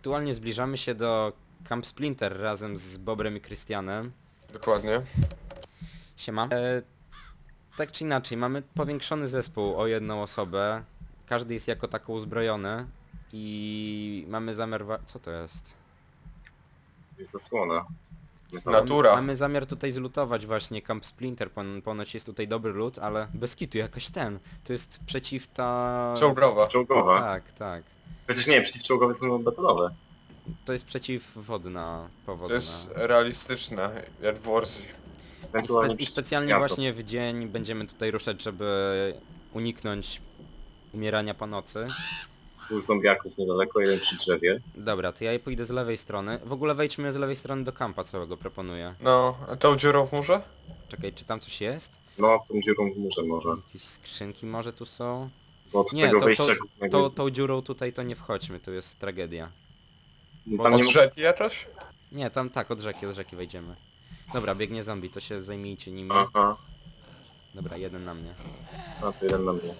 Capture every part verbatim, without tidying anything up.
aktualnie zbliżamy się do Camp Splinter razem z Bobrem i Krystianem. Dokładnie. Siema. E, tak czy inaczej, mamy powiększony zespół o jedną osobę. Każdy jest jako tako uzbrojony. I mamy zamiar... wa- Co to jest? Jest zasłona. Natura. Mamy zamiar tutaj zlutować właśnie Camp Splinter. Pon ponoć jest tutaj dobry loot, ale bez kitu jakoś ten. To jest przeciw ta... Czołgrowa. Czołgowa. Tak, tak. Chociaż nie, przeciwczołgowe są betonowe. To jest przeciwwodna To powodna. jest realistyczne, jak w Warzy. I, Ewentualnie spe I specjalnie miasto. właśnie w dzień będziemy tutaj ruszać, żeby uniknąć umierania po nocy. Dwóch zombiaków niedaleko, jeden przy drzewie. Dobra, to ja pójdę z lewej strony. W ogóle wejdźmy z lewej strony do kampa całego, proponuję. No, a tą dziurą w murze? Czekaj, czy tam coś jest? No, tą dziurą w murze może. Jakieś skrzynki może tu są? Bo od Nie, tego to, wejścia to, głównego... to, tą dziurą tutaj to nie wchodźmy, to jest tragedia. tam nie Od rzeki jakoś? Nie, tam tak, od rzeki, od rzeki wejdziemy. Dobra, biegnie zombie, to się zajmijcie nimi. Aha, Dobra, jeden na mnie. a to jeden na mnie.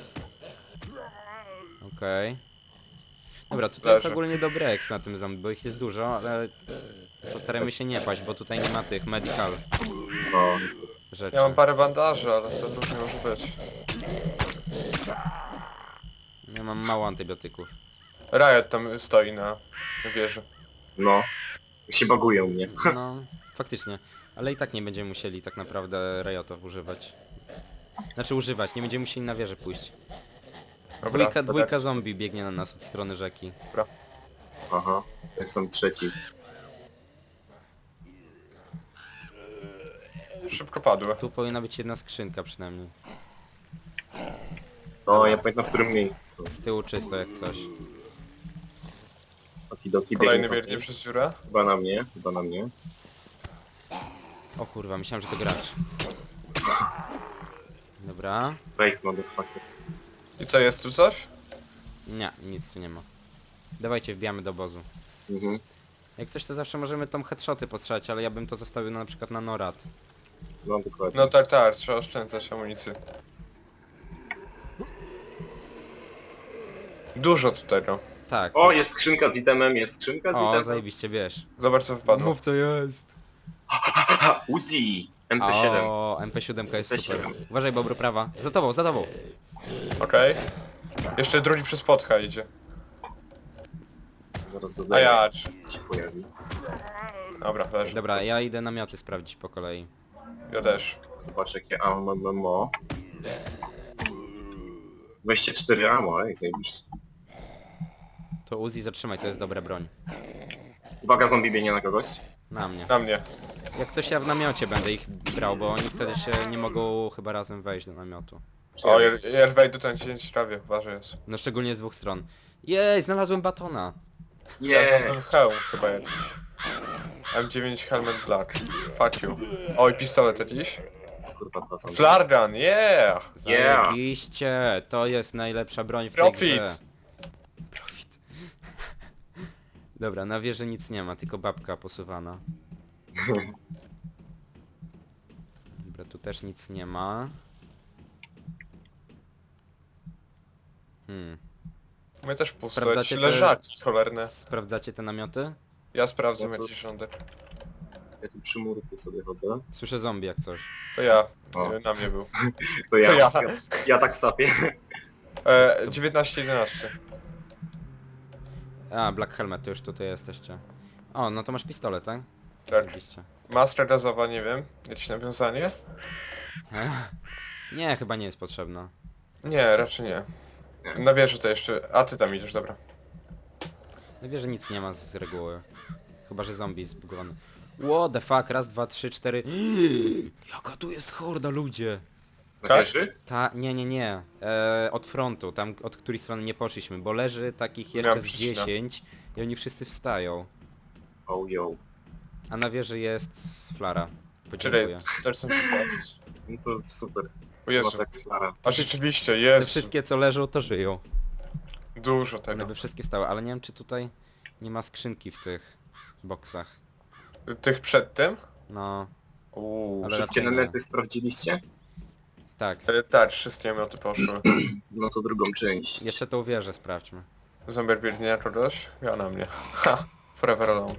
Okej. Dobra, tutaj jest Leży. ogólnie dobry exp na tym zombie, bo ich jest dużo, ale postarajmy się nie paść, bo tutaj nie ma tych medical No, niestety. rzeczy. Ja mam parę bandaży, ale to różnie może być. Ja mam mało antybiotyków. Riot tam stoi na wieży. No. Się baguje u mnie. No, faktycznie. Ale i tak nie będziemy musieli tak naprawdę Riotów używać. Znaczy używać, nie będziemy musieli na wieżę pójść. Dobra, Dwójka, stara- dwójka zombie biegnie na nas od strony rzeki. Aha, jestem trzeci. Szybko padły. Tu powinna być jedna skrzynka przynajmniej. No, ja pamiętam w którym miejscu. Z tyłu czysto jak coś. Okidoki, Kolejny biegnie biegnie zombie. przez dziurę. Chyba na mnie, chyba na mnie. O kurwa, myślałem, że to gracz. Dobra. Space motherfuckers. I co, jest tu coś? Nie, nic tu nie ma. Dawajcie, wbijamy do obozu. Mhm. Jak coś to zawsze możemy tą headshoty postrzelać, ale ja bym to zostawił na, na przykład na Norad. No, dokładnie. No tak, tak, trzeba oszczędzać amunicję. Dużo tutaj, no. Tak. O, jest skrzynka z itemem, jest skrzynka z O, itemem. zajebiście, wiesz. Zobacz co wpadło. Mów co jest. Aha, Uzi! M P siedem. O, M P siedem jest M P super. siedem. Uważaj, Bobru, prawa. Za tobą, za tobą. Okej. Jeszcze drugi przez spotka idzie. Zaraz go A znajdę. ja. Się pojawi. Dobra, leży. Dobra, ja idę namioty sprawdzić po kolei. Ja też. Zobacz jakie ammo. dwadzieścia cztery ammo, jak zajebiście. To Uzi zatrzymaj, to jest dobra broń. Uwaga, zombie biegnie na kogoś. Na mnie. Na mnie. Jak coś ja w namiocie będę ich brał, bo oni wtedy się nie mogą chyba razem wejść do namiotu. O, ja, ja wejdę ten cięć prawie, ważny jest. No szczególnie z dwóch stron. Jej, znalazłem batona. Ja Nie. znalazłem hełm chyba jakiś. M dziewięć Helmet Black. Fuck you. Oj, pistolet jakiś. Kurwa, dwa zombie. Flare gun, yeah! Yeah. Zajebiście, to jest najlepsza broń w tej Profit! grze. Profit. Dobra, na wieży nic nie ma, tylko babka posuwana. Dobra, tu też nic nie ma. Hmm. My też pusto, Sprawdzacie jakieś te- leżaki cholerne. Sprawdzacie te namioty? Ja sprawdzę jakiś rządek. Ja tu przy murku sobie chodzę. Słyszę zombie jak coś. To ja. O. Nie, na mnie był. To ja. To ja. Ja, ja tak sapię. E, dziewiętnaście jedenaście. A, Black Helmet, to już tutaj jesteście. O, no to masz pistolet, tak? Tak. Oczywiście. Maska gazowa, nie wiem. Jakieś nawiązanie? Nie, chyba nie jest potrzebna. Nie, raczej nie. Na wieży to jeszcze... A ty tam idziesz, dobra. Na wieży nic nie ma z reguły. Chyba, że zombie jest zbugowany. What the fuck, raz, dwa, trzy, cztery... Jaka tu jest horda, ludzie! Na Tak? wieży? Ta, nie, nie, nie. E, od frontu, tam od której strony nie poszliśmy, bo leży takich jeszcze Miałem z przycinać. dziesięć i oni wszyscy wstają. Oh yo. A na wieży jest flara. Czyli Podziękuję. też chcę zobaczyć. No to super. O Jezu. No tak, Klara. A rzeczywiście, Te jest. wszystkie co leżą to żyją. Dużo One tego. by wszystkie stały, ale nie wiem czy tutaj nie ma skrzynki w tych boksach. Tych przed tym? No, Uuu. Ale Wszystkie raczej nie. nalety sprawdziliście? tak. E, tak, wszystkie mioty poszły. No to drugą część. Jeszcze tą wieżę sprawdźmy. Zombier biegnie na kogoś? Ja na mnie. Ha! Forever alone.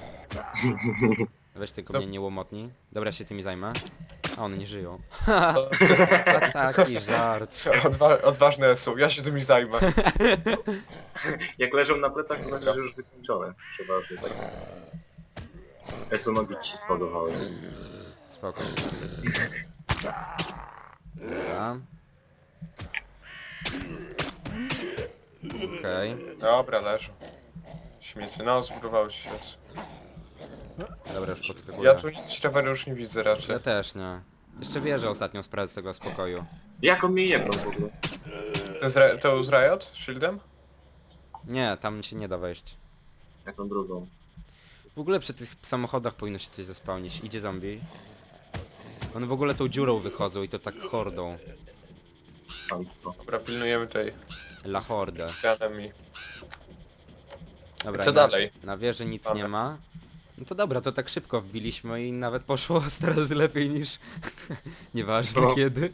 Weź tylko Co? mnie nie łomotni. Dobra, się tymi zajmę. A one nie żyją. To jest Taki żart. Odwa odważne są, ja się tymi zajmę. Jak leżą na plecach, to znaczy, że już wykończone. Przeważnie, tak? Esu, nogi ci się spadowały. Spoko. Dobra. Okej. Dobra, leżą. Śmiecie, no zbudowały się. Jest. Dobra, już podskakuję. Ja tu nic ciekawego już nie widzę raczej. Ja też nie. Jeszcze wierzę ostatnią sprawę z tego spokoju. Jak on mnie jebnął w ogóle? To z, Ri- to z Riot? Shieldem? Nie, tam się nie da wejść. Jak tą drugą? W ogóle przy tych samochodach powinno się coś zespałnić. Idzie zombie. One w ogóle tą dziurą wychodzą i to tak hordą. Państwo. Dobra, pilnujemy tej La hordę. ścianem i... Dobra, Co i na, dalej? Na wieży nic Mamy. nie ma. No to dobra, to tak szybko wbiliśmy i nawet poszło teraz lepiej niż... Nieważne No. kiedy.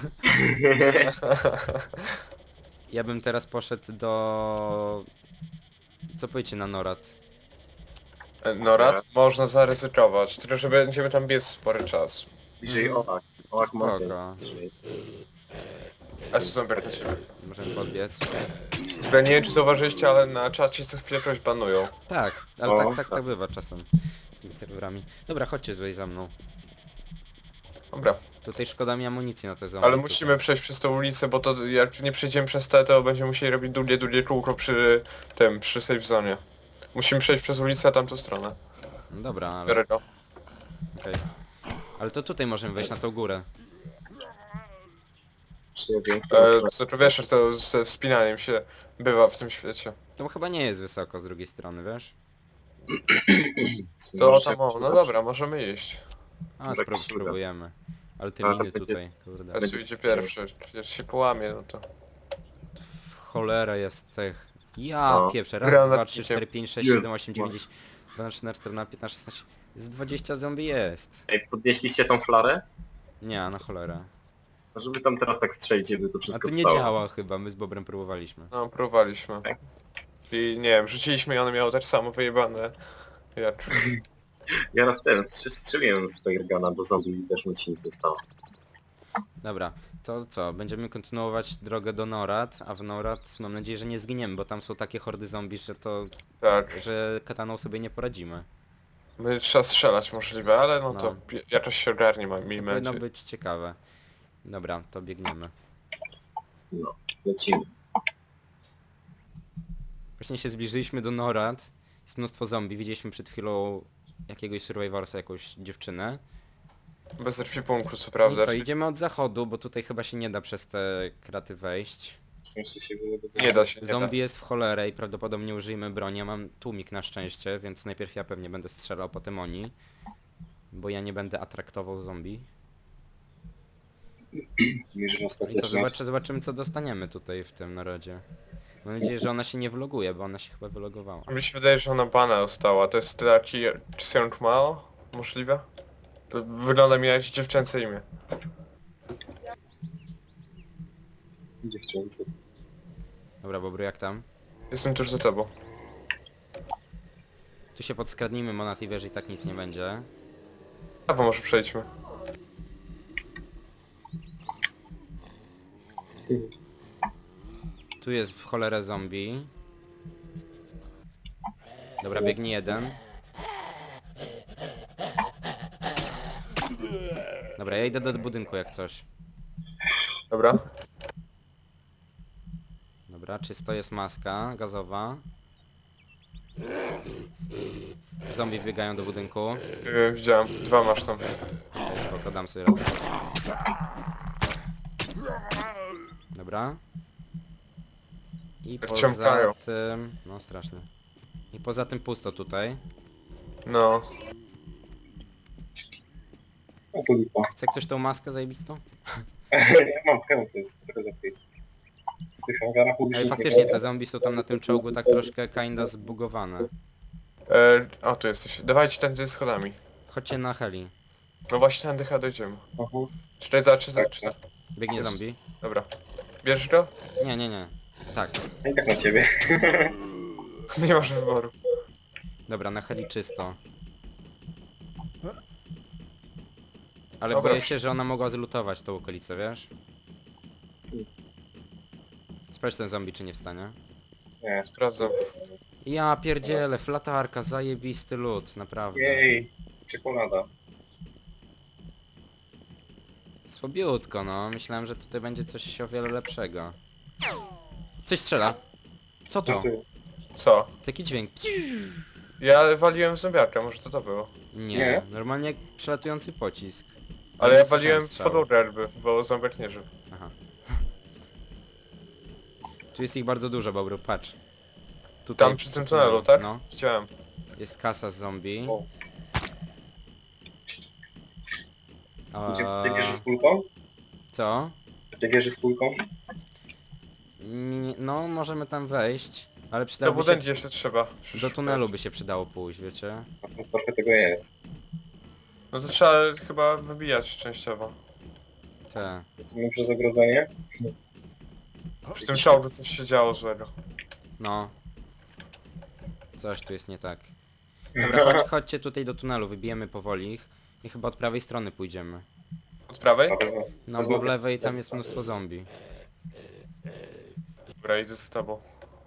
Ja bym teraz poszedł do... Co powiecie na Norad? Norad? Można zaryzykować, tylko że będziemy tam biec spory czas. Bliżej Oak. Oak Mountain. Spoko. Bliżej. Esu Zombier na ciebie. Możemy podbiec. Ja nie wiem czy zauważyliście, ale na czacie co chwilę kogoś banują. Tak, ale O, tak, tak, tak. tak bywa czasem z tymi serwerami. Dobra, chodźcie tutaj za mną. Dobra, Tutaj szkoda mi amunicji na te zombie. ale musimy przejść przez tą ulicę, bo to jak nie przejdziemy przez te, to będziemy musieli robić długie, długie kółko przy tym, przy safe zone. Musimy przejść przez ulicę, a tamtą stronę. No dobra, ale Biorę go. okej. Ale to tutaj możemy wejść na tą górę. Czy ja wiem, E, która co tu wiesz, że to ze wspinaniem się bywa w tym świecie. To chyba nie jest wysoko z drugiej strony, wiesz? strona? To Możesz tam jak o, no przydać? dobra, możemy iść. A, Tak spró się uda. spróbujemy. Ale ty A, to miny będzie- tutaj, kurde. Esu Będzie- idzie pierwszy, jak się połamie, no to... W cholerę jest tych... Ja No. pieprzę, raz, Granatnikiem. dwa, trzy, cztery, pięć, sześć, Jest. siedem, osiem, dziewięć, dziesięć, dwanaście, trzynaście, czternaście, piętnaście, szesnaście... Z dwadzieścia zombie jest. Ej, podnieśliście tą flarę? Nie, na cholerę. No, żeby tam teraz tak strzelić, żeby to A wszystko to nie stało. działa chyba, my z Bobrem próbowaliśmy. No, próbowaliśmy. Tak. I nie wiem, rzuciliśmy i one miało też samo wyjebane. Jak... Ja raz ten strz- strzeliłem z Fairgana do zombie i też mi się nic nie stało. Dobra, to co? Będziemy kontynuować drogę do Norad, a w Norad mam nadzieję, że nie zginiemy, bo tam są takie hordy zombie, że to... Tak. że kataną sobie nie poradzimy. Będzie trzeba strzelać możliwe, ale no, to No. pi- jakoś się ogarnie, ma- To miejmy powinno nadzieję. być ciekawe. Dobra, to biegniemy. No, lecimy. Właśnie się zbliżyliśmy do Norad. Jest mnóstwo zombie. Widzieliśmy przed chwilą jakiegoś survivorsa, jakąś dziewczynę. Bez ekwipunku co I prawda. co, czyli idziemy od zachodu, bo tutaj chyba się nie da przez te kraty wejść. W sensie się wylewa- Nie da się, nie Zombie da. jest w cholerę i prawdopodobnie użyjemy broni. Ja mam tłumik na szczęście, więc najpierw ja pewnie będę strzelał, potem oni. Bo ja nie będę atraktował zombie. Mierzysz No i co, ostateczność. zobaczy, zobaczymy co dostaniemy tutaj w tym narodzie. Mam nadzieję, że ona się nie vloguje, bo ona się chyba wylogowała. Mi się wydaje, że ona bana dostała. To jest taki Xiong Mao? Możliwe? To wygląda mi jak dziewczęce imię. Dziewczęcy. Dobra, Bobru, jak tam? Jestem tuż za tobą. Tu się podskradnijmy, bo na tej wieży i tak nic nie będzie. A bo może przejdźmy. Tu jest w cholerę zombie. Dobra, biegnie jeden. Dobra, ja idę do budynku jak coś. Dobra? Dobra, czysto, jest maska gazowa. Zombie biegają do budynku. Yy, widziałem. Dwa masz tam. Okej, spoko, dam sobie radę. Dobra. I poza Wciągają. tym... No strasznie. I poza tym pusto tutaj. No. O, to lipa. Chce ktoś tą maskę zajebistą? Ja mam hełm, to jest trochę lepiej. W tych hangarach Ej, publicznych faktycznie nie te zombie są tam na tym czołgu tak troszkę kinda zbugowane. E, o, tu jesteś. Dawajcie tędy schodami. Chodźcie na heli. No właśnie tędy chyba dojdziemy. Aha. Czekaj, za, czy za, czy za. Biegnie zombie. Dobra. Bierzesz go? Nie, nie, nie. Tak. No i tak na ciebie. Nie masz wyboru. Dobra, na heli czysto. Ale Dobra. boję się, że ona mogła zlutować tą okolicę, wiesz? Sprawdź ten zombie, czy nie wstanie. Nie, Sprawdzam. Ja pierdzielę, flatarka, zajebisty lód, naprawdę. Jej, czekolada. Słabiutko, no. Myślałem, że tutaj będzie coś o wiele lepszego. Coś strzela. Co Co to? tu? Co? Taki dźwięk. Ja waliłem w zombiaka, może to to było. Nie, Nie? normalnie jak przelatujący pocisk. Ale nie ja słyszałem waliłem w strzału. followerby, bo zombiak nie żył. Aha. Tu jest ich bardzo dużo, Bobru, patrz. Tutaj Tam przy tym tunelu, tak? No, Widziałem. jest kasa z zombie. O. A... Gdzie ty wieży z kulką? Co? Ty wieży z kulką? Nie, no, możemy tam wejść, ale Do przydałoby się... budynki jeszcze trzeba. Do tunelu by się przydało pójść, wiecie? No, trochę tego jest. No to trzeba chyba wybijać częściowo. Te. Co my przez ogrodzenie? Przy tym czołgu coś się działo złego. No. Coś tu jest nie tak. Dobra, chodź, chodźcie tutaj do tunelu, wybijemy powoli ich i chyba od prawej strony pójdziemy. Od prawej? A, wezmę. No bo w lewej tam jest mnóstwo zombie. Dobra, idę z tobą.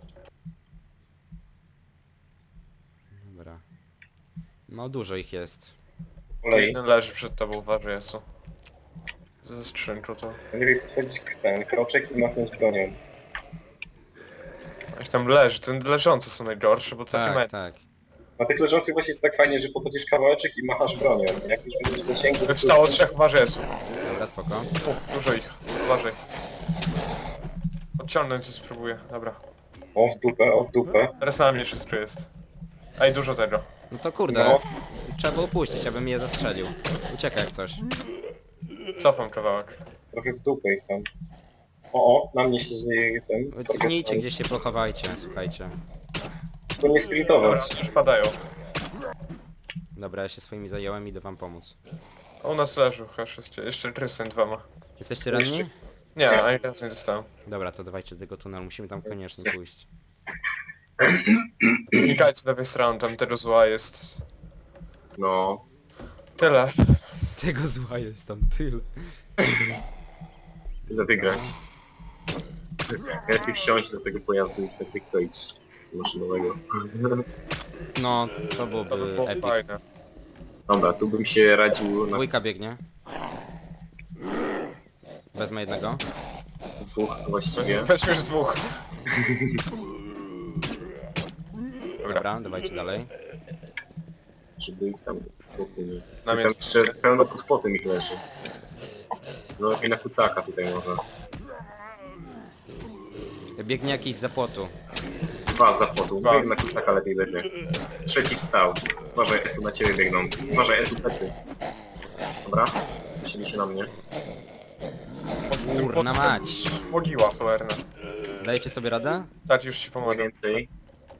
Dobra. No dużo ich jest. Kolei. Jeden leży przed tobą, uważaj, Jesu. Ze skrzynką to... Lepiej podchodzić k- ten kroczek i machnąć bronią. Jak tam leży, ten leżące są najgorsze, bo takie Tak, mają... tak. Na tych leżących właśnie jest tak fajnie, że podchodzisz kawałeczek i machasz bronią. Jak już będziesz w zasięgu... to- Wstało trzech, uważaj, Jesu. Dobra, spoko. U, dużo ich, uważaj. Odciągnąć coś spróbuję, dobra. O w dupę, o w dupę. Teraz na mnie wszystko jest. Ej, dużo tego. No to kurde, No. trzeba było puścić, abym je zastrzelił. Uciekaj jak coś. Cofam kawałek. Trochę w dupę ich tam. O, o, na mnie się dzieje ten... Cofnijcie, gdzieś się pochowajcie, słuchajcie. To nie Dobra, sprintować. już padają. Dobra, ja się swoimi zająłem i idę wam pomóc. U nas leży chyba wszystkie, jeszcze Tristan dwa ma. Jesteście ranni? Nie, ani razu nie dostałem. Dobra, to dawajcie do tego tunelu, musimy tam koniecznie pójść. Unikajcie lewej strony, tam tego zła jest... No. Tyle. Tego zła jest tam tyle. Tyle wygrać. Lepiej wsiąść do tego pojazdu i tak wykroić z maszynowego. No, to To by byłoby było epic. fajne. Dobra, tu bym się radził na Dwójka biegnie. Wezmę jednego. dwóch właściwie. Weźmy już dwóch. Dobra, dawajcie dalej. Żeby ich tam spokój. Na mnie. Tam jeszcze pełno pod spotem ich leży. No lepiej na kucaka tutaj można. Biegnie jakiś za płotu. Dwa za płotu. Dwa. Bieg na kucaka lepiej będzie. Trzeci wstał. Uważaj, Esu na ciebie biegną. Uważaj, Esu plecy. Dobra. Musieli się na mnie. Kurna mać. Mogiła cholerna. Dajecie sobie radę? Tak, już ci Mniej pomogę. więcej.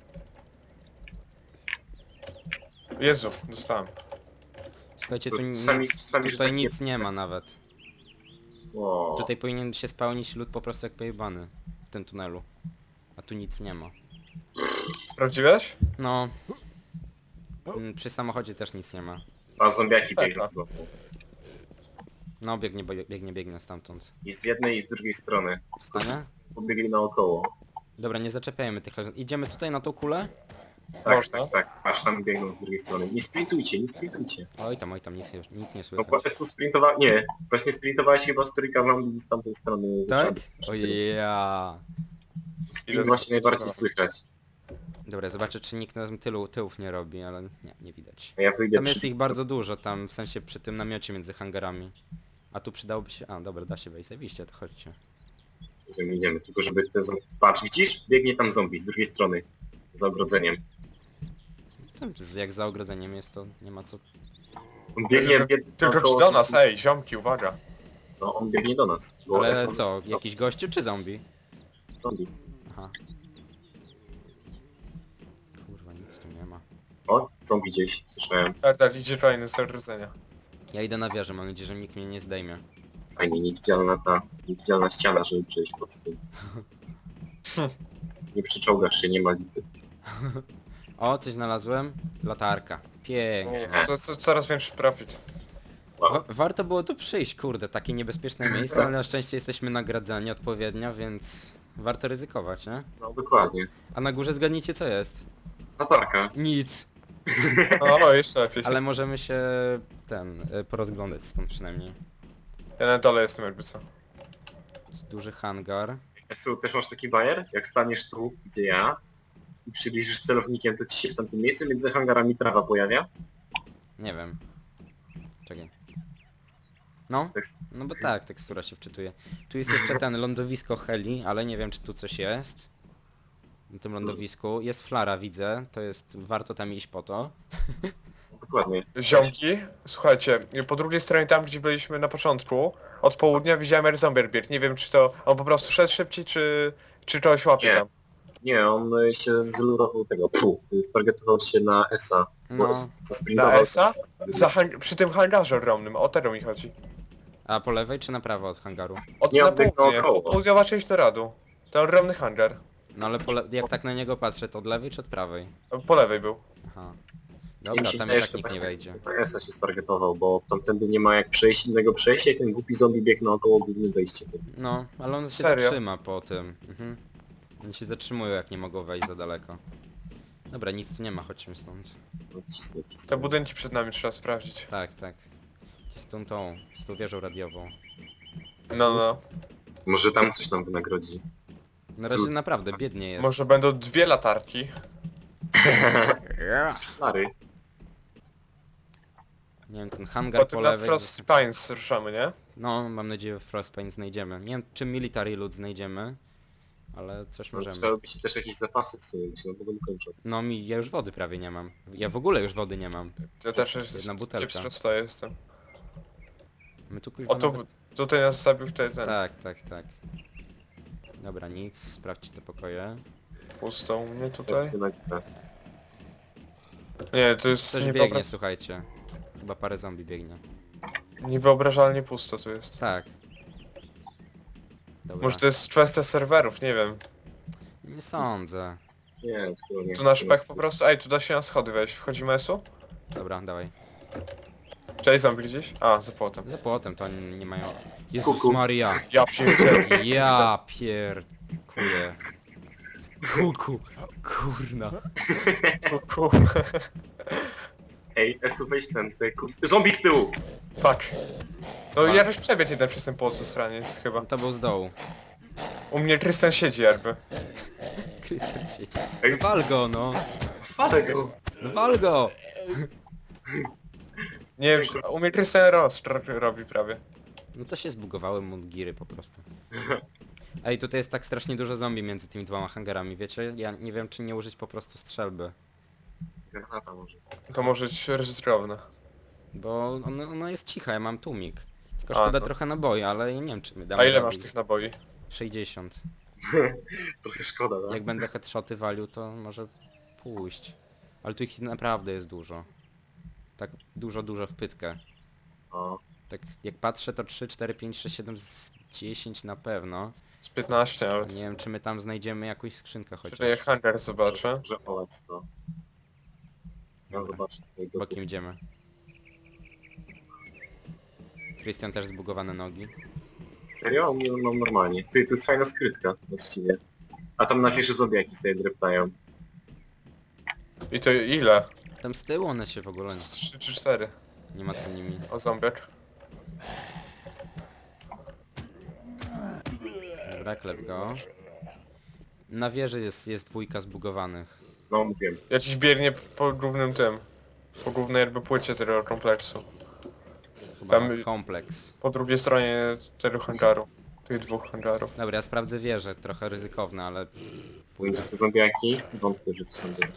Jezu, dostałem. Słuchajcie, tu To nic, sami- sami, że tutaj tak nie- nic nie ma nawet. O. Tutaj powinien się spełnić lód po prostu jak pojebany w tym tunelu. A tu nic nie ma. Sprawdziłeś? No. Mm, Przy samochodzie też nic nie ma. A zombiaki Tak, biegną tak. znowu. No biegnie, bo- biegnie, biegnie stamtąd. I z jednej i z drugiej strony. Wstanie? Pobiegli naokoło. Dobra, nie zaczepiajmy tych leżących. Idziemy tutaj na tą kulę? Tak, Można. tak, tak. Aż tam biegną z drugiej strony. Nie sprintujcie, nie sprintujcie. Oj tam, oj tam, nic, nie- nic nie No słychać. po prostu sprintowała... Nie. Właśnie sprintowałeś chyba z trójka zombie z tamtej strony. Tak? zaczęli. Ojeja. Sprint właśnie najbardziej słychać. Dobra, zobaczę czy nikt nam tylu, tyłów nie robi, ale nie, nie widać. A ja wyjdę Tam jest przy... ich bardzo dużo, tam w sensie przy tym namiocie między hangarami. A tu przydałoby się... A, dobra, da się wejść, zajebiście, to chodźcie. Z nim idziemy, tylko żeby ten zombie... Patrz, widzisz? Biegnie tam zombie z drugiej strony. Za ogrodzeniem. Tam z- jak za ogrodzeniem jest, to nie ma co... On biegnie... bieg... Tylko około- czy do nas, ej, ziomki, uwaga. No, on biegnie do nas. Bo Ale Esu- co, no, jakiś gościu czy zombie? zombie. Aha. Kurwa, nic tu nie ma. O, zombie gdzieś, słyszałem. Tak, tak, idzie kolejny z odrodzenia. Ja idę na wieżę, mam nadzieję, że nikt mnie nie zdejmie. Fajnie, niewidzialna ta... Niewidzialna ściana, żeby przejść pod tym. Nie przyczołgasz się, nie ma lipy. O, coś znalazłem. Latarka. Pięknie. Nie, co, co, coraz większy profit. Wa warto było tu przyjść, kurde, takie niebezpieczne miejsce, ale na szczęście jesteśmy nagradzani odpowiednio, więc warto ryzykować, nie? No dokładnie. A na górze zgadnijcie co jest. Latarka. Nic. O, jeszcze lepiej. Ale możemy się ten y, porozglądać stąd przynajmniej. Ja na dole jestem jakby co. Duży hangar. Esu, też masz taki bajer? Jak staniesz tu, gdzie ja, i przybliżysz celownikiem, to ci się w tamtym miejscu między hangarami trawa pojawia? Nie wiem. Czekaj. No, Tekst- no bo tak, tekstura się wczytuje. Tu jest jeszcze ten lądowisko heli, ale nie wiem czy tu coś jest. Na tym lądowisku. Jest flara, widzę. To jest, warto tam iść po to. Dokładnie. Ziomki, słuchajcie, po drugiej stronie tam gdzie byliśmy na początku, od południa widziałem Air Zombie bieg. Nie wiem czy to on po prostu szedł szybciej, czy, czy czegoś łapie Nie. tam. Nie, on y, się zlurował tego, pu, stargetował się na Esa. No. Na Esa? Za hang- przy tym hangarze ogromnym, o tego mi chodzi. A po lewej czy na prawo od hangaru? Od Nie, na on biegł południe, naokoło. południowa część Noradu. Ten ogromny hangar. No ale po le jak tak na niego patrzę, to od lewej czy od prawej? Po lewej był. Aha. Mi Dobra, się tam wydaje, i że tak to nikt nie właśnie wejdzie. Na Esa się stargetował, bo tamtędy nie ma jak przejść innego przejścia i ten głupi zombie biegł naokoło głównym wejściem. No, ale on się Serio? zatrzyma po tym. Mhm. Oni się zatrzymują jak nie mogą wejść za daleko. Dobra, nic tu nie ma, chodźmy stąd. No, cisnę, cisnę. Te budynki przed nami trzeba sprawdzić. Tak, tak. Z tą tą, z tą wieżą radiową. No, no. Może tam coś nam wynagrodzi. Na razie naprawdę biednie jest. Może będą dwie latarki. Lary. Nie wiem, ten hangar po Potem na lewej... Frost Pines ruszamy, nie? No, mam nadzieję, że Frostpain znajdziemy. Nie wiem, czy Military Loot znajdziemy, ale coś możemy. Trzeba by się też jakieś zapasy w sumie, bo się na powoli kończą. No mi, ja już wody prawie nie mam. Ja w ogóle już wody nie mam. Ja też jest, Jedna butelka. kiepsko jestem. My tu kuźwa O tu, nawet- tutaj nas zabił wtedy ten. Tak, tak, tak. Dobra, nic, sprawdźcie te pokoje. Pusto u mnie tutaj. Tak, tak. Nie, to jest Coś niewyobra- biegnie, słuchajcie. Chyba parę zombie biegnie. niewyobrażalnie pusto tu jest. Tak. Dobra. Może to jest kwestia serwerów, nie wiem. Nie sądzę. Nie, tylko nie. Tu nasz pech po prostu... Ej, tu da się na schody wejść. Wchodzimy esu? Dobra, dawaj. Cześć, zombie gdzieś? A, za płotem. Za płotem to oni nie mają... Jezus Kuku. Maria! Ja pierdzielę. Ja pierkuję. Kuku. Kurna. Kuku. Ej, Esu weź ten, ten kur... Zombie z tyłu! Fuck. No Fuck. ja też przebiegł jeden przez ten płot ze straniec chyba. To był z dołu. U mnie Tristan siedzi jakby. Krystian siedzi. Ej. No wal go, no. Falę go! No wal go! Nie wiem, czy... U mnie Tristan Ross ro- robi prawie. No to się zbugowały mundgiry po prostu. Ej, tutaj jest tak strasznie dużo zombie między tymi dwoma hangarami, wiecie? Ja nie wiem, czy nie użyć po prostu strzelby. Granata może. To może być ryzykowne. Bo ona, ona jest cicha, ja mam tłumik. Tylko A, szkoda no. trochę naboi, ale ja nie wiem, czy my damy A ile radę. masz tych naboi? sześćdziesiąt. Trochę szkoda, tak? Jak będę headshoty walił, to może pójść. Ale tu ich naprawdę jest dużo. Tak dużo, dużo w pytkę. O, Tak jak patrzę, to trzy, cztery, pięć, sześć, siedem, z dziesięć na pewno. Z piętnaście Nie nawet. wiem, czy my tam znajdziemy jakąś skrzynkę chociaż. Tutaj jak hangar zobaczę. że olać to. Ja zobaczę tutaj go. Bokiem idziemy. Christian też zbugowane nogi. Serio? U mnie mam normalnie. Ty, tu jest fajna skrytka właściwie. A tam na wieży zombiaki sobie dreptają. I to ile? Tam z tyłu one się w ogóle Z trzy czy cztery. nie ma co nimi. O zombiak. Dobra, klep go. Na wieży jest, jest dwójka zbugowanych. No mówiłem. Ja dziś biegnie po głównym tym. Po głównej jakby płycie tego kompleksu. Chyba Tam- kompleks. Po drugiej stronie tego hangaru. Tych dwóch hangarów. Dobra, ja sprawdzę wieżę, trochę ryzykowne, ale... Mówię, że te zombiaki, wątpię, że to są zombiaki.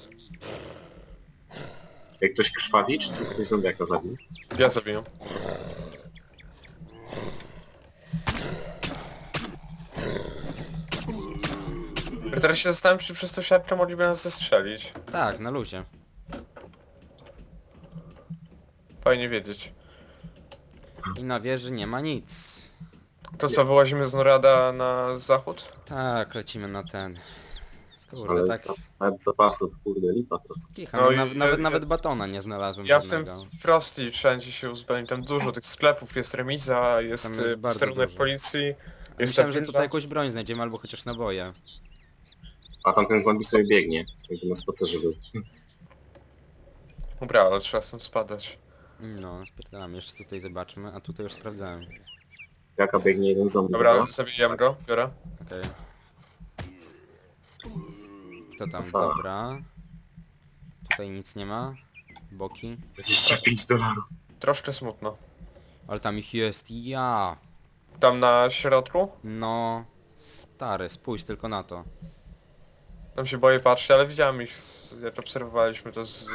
Jak ktoś krwawi, czy tu ktoś zombiaka zabił? Ja zabiję. Ja teraz się zastanawiam, czy przez to siatkę mogliby nas zestrzelić. Tak, na luzie. Fajnie wiedzieć. I na wieży nie ma nic. To co, wyłazimy z Norada na zachód? Tak, lecimy na ten. Kurde, Ale tak. za, nawet zapasów, kurde, lipa to. Kicha, No no, i na, ja- nawet, ja- nawet batona nie znalazłem Ja w tym żadnego. Frosty wszędzie się uzbrojeń, tam dużo tych sklepów, jest remiza, jest, Tam jest y, bardzo posterunek dużo. policji, jest Myślałem, ta że tutaj winda. jakąś broń znajdziemy, albo chociaż naboje. A tamten zombie sobie biegnie, jakby na spacerze był. Dobra, ale trzeba stąd spadać. No, spierdalam, jeszcze tutaj zobaczmy, a tutaj już sprawdzałem. Jaka biegnie jeden zombie, Dobra, dobra? zabijam go, biorę. Okej. Kto tam? Masa. Dobra. Tutaj nic nie ma. Boki. dwadzieścia pięć dolarów. Troszkę smutno. Ale tam ich jest, ja. Tam na środku? No, stary, spójrz tylko na to. Tam się boję patrzeć, ale widziałem ich, z, jak obserwowaliśmy to z...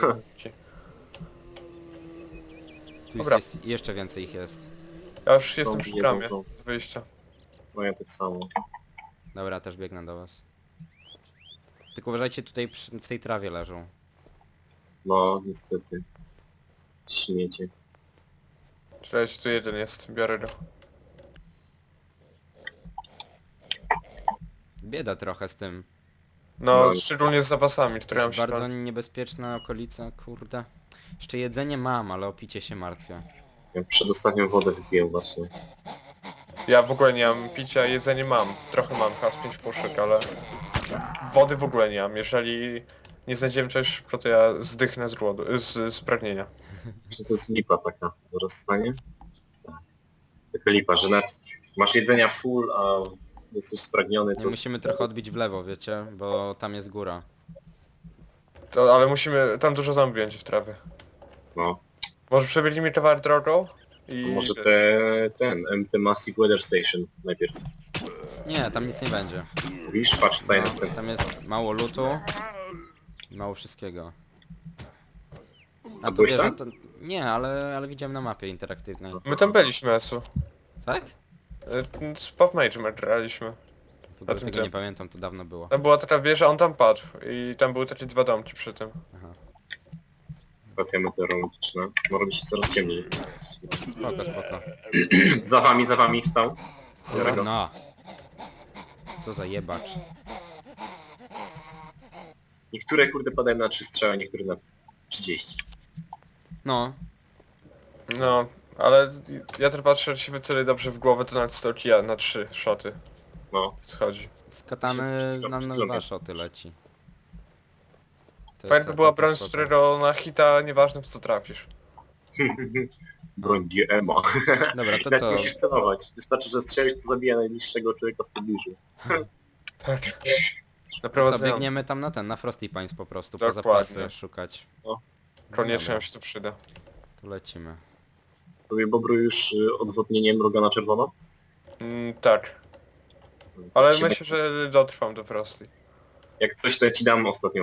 Tu Dobra. jest, jest, jeszcze więcej ich jest. Ja już jestem Zombie przy jedzą bramie zombie. wyjścia. No ja tak samo. Dobra, też biegnę do was. Tylko uważajcie, tutaj przy, w tej trawie leżą. No, niestety. Śmiecie. Cześć, tu jeden jest, biorę go. Bieda trochę z tym. No, No. szczególnie z zapasami, które mam się Bardzo kończyć. niebezpieczna okolica, kurde. Jeszcze jedzenie mam, ale o picie się martwię. Ja przedostatnią wodę wypiłem właśnie. Ja w ogóle nie mam picia, jedzenie mam. Trochę mam, chyba z pięć puszek, ale... Wody w ogóle nie mam. Jeżeli nie znajdziemy czegoś szybko, to ja zdychnę z głodu, z, z pragnienia. Czy to jest lipa taka w rozstanie? Tak. Taka lipa, że nawet masz jedzenia full, a jesteś spragniony, Nie to... musimy trochę odbić w lewo, wiecie, bo tam jest góra. To, ale musimy... Tam dużo zombie będzie w trawie. No. Może przebiegnijmy towar drogą? I... To może te, ten, M T Massive Weather Station najpierw. Nie, tam nic nie będzie. Widzisz, patrz, staje No, następny. tam jest mało lutu i mało wszystkiego. A to byłeś wiesz, a tam? to... Nie, ale, ale widziałem na mapie interaktywnej. My tam byliśmy, Esu. Tak? Y, Z Pop Major graliśmy. W ogóle A tym tego tym. nie pamiętam, to dawno było. Tam była taka wieża, on tam padł. I tam były takie dwa domki przy tym. Aha. Stacja meteorologiczna. No robi się coraz ciemniej. Spoko, spoko. Za wami, za wami wstał. Biorę go. No. Co za jebacz. Niektóre kurde padają na trzy strzały, niektóre na trzydzieści. No, No, ale ja też patrzę, że się wyceli dobrze w głowę, to nawet sto kija na trzy szoty No. schodzi. z katany Przy- nam przy- na przy- dwa szoty leci. To Fajnie jest by była całkiem broń, z spoko. którego na hita nieważne w co trafisz. Broń G M A. Dobra, to Jak co? musisz celować. Wystarczy, że strzelisz, to zabija najbliższego człowieka w pobliżu. Tak. Co, Naprowadzając. biegniemy tam na ten, na Frosty Pines po prostu, po Dokładnie. zapasy szukać. Koniecznie Dobra, nam się to przyda. tu lecimy. Tobie Bobru już y, odwodnienie mroga na czerwono? Mm, tak. Ale Jak się myślę, że dotrwam do Frosty. Jak coś, to ja ci dam ostatnią